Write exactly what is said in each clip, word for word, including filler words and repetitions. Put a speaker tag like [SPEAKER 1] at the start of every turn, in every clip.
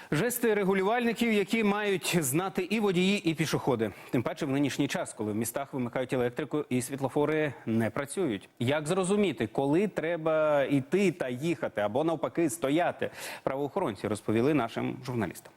[SPEAKER 1] Жести регулювальників, які мають знати і водії, і пішоходи. Тим паче в нинішній час, коли в містах вимикають електрику і світлофори не працюють. Як зрозуміти, коли треба йти та їхати, або навпаки стояти? Правоохоронці розповіли нашим журналістам.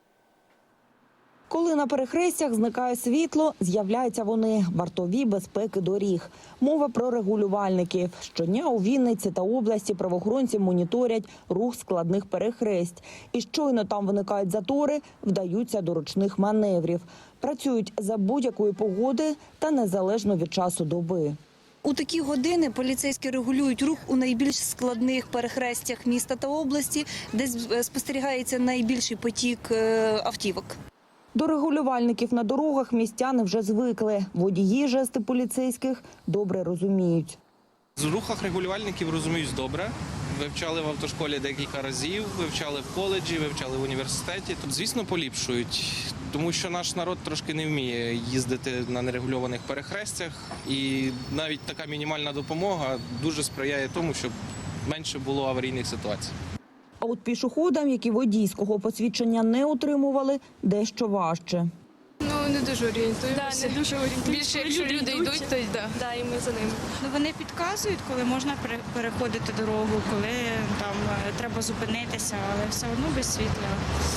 [SPEAKER 2] Коли на перехрестях зникає світло, з'являються вони – вартові безпеки доріг. Мова про регулювальників. Щодня у Вінниці та області правоохоронці моніторять рух складних перехресть. І щойно там виникають затори, вдаються до ручних маневрів. Працюють за будь-якої погоди та незалежно від часу доби.
[SPEAKER 3] У такі години поліцейські регулюють рух у найбільш складних перехрестях міста та області, де спостерігається найбільший потік автівок.
[SPEAKER 2] До регулювальників на дорогах містяни вже звикли. Водії жести поліцейських добре розуміють.
[SPEAKER 4] З рухах регулювальників розуміють добре. Вивчали в автошколі декілька разів, вивчали в коледжі, вивчали в університеті. Тут, звісно, поліпшують, тому що наш народ трошки не вміє їздити на нерегульованих перехрестях. І навіть така мінімальна допомога дуже сприяє тому, щоб менше було аварійних ситуацій.
[SPEAKER 2] А от пішоходам, які водійського посвідчення не отримували, дещо важче.
[SPEAKER 5] Ну, не дуже орієнтуємося.
[SPEAKER 6] Да, не дуже орієнтуємося.
[SPEAKER 5] Більше, якщо люди, люди йдуть, то да.
[SPEAKER 6] Да, і ми за ними.
[SPEAKER 7] Ну, вони підказують, коли можна переходити дорогу, коли там треба зупинитися, але все одно без світла.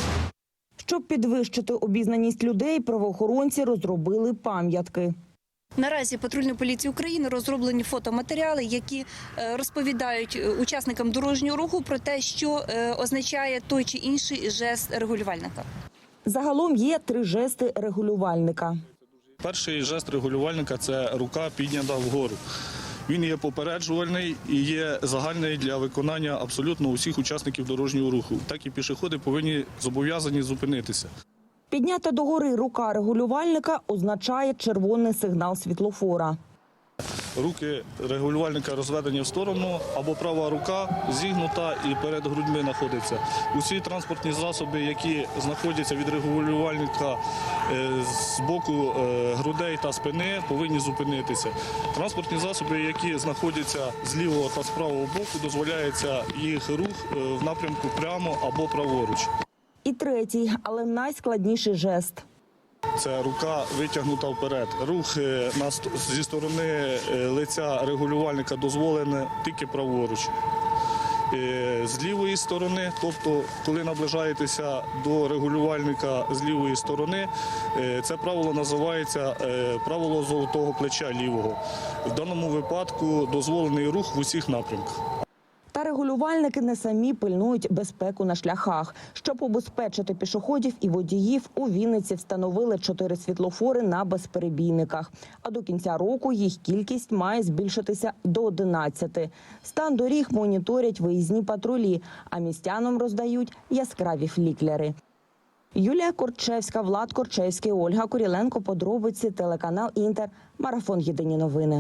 [SPEAKER 2] Щоб підвищити обізнаність людей, правоохоронці розробили пам'ятки.
[SPEAKER 3] Наразі патрульної поліції України розроблені фотоматеріали, які розповідають учасникам дорожнього руху про те, що означає той чи інший жест регулювальника.
[SPEAKER 2] Загалом є три жести регулювальника.
[SPEAKER 8] Перший жест регулювальника – це рука піднята вгору. Він є попереджувальний і є загальний для виконання абсолютно усіх учасників дорожнього руху. Так і пішоходи повинні зобов'язані зупинитися.
[SPEAKER 2] Піднята догори рука регулювальника означає червоний сигнал світлофора.
[SPEAKER 8] Руки регулювальника розведені в сторону, або права рука зігнута і перед грудьми знаходиться. Усі транспортні засоби, які знаходяться від регулювальника з боку грудей та спини, повинні зупинитися. Транспортні засоби, які знаходяться з лівого та з правого боку, дозволяється їх рух в напрямку прямо або праворуч.
[SPEAKER 2] І третій, але найскладніший жест.
[SPEAKER 8] Це рука витягнута вперед. Рух зі сторони лиця регулювальника дозволений тільки праворуч. З лівої сторони, тобто коли наближаєтеся до регулювальника з лівої сторони, це правило називається правило золотого плеча лівого. В даному випадку дозволений рух в усіх напрямках.
[SPEAKER 2] Та регулювальники не самі пильнують безпеку на шляхах. Щоб убезпечити пішоходів і водіїв, у Вінниці встановили чотири світлофори на безперебійниках. А до кінця року їх кількість має збільшитися до одинадцяти. Стан доріг моніторять виїзні патрулі, а містянам роздають яскраві флікери. Юлія Корчевська, Влад Корчевський, Ольга Куріленко. Подробиці, телеканал «Інтер», марафон «Єдині новини».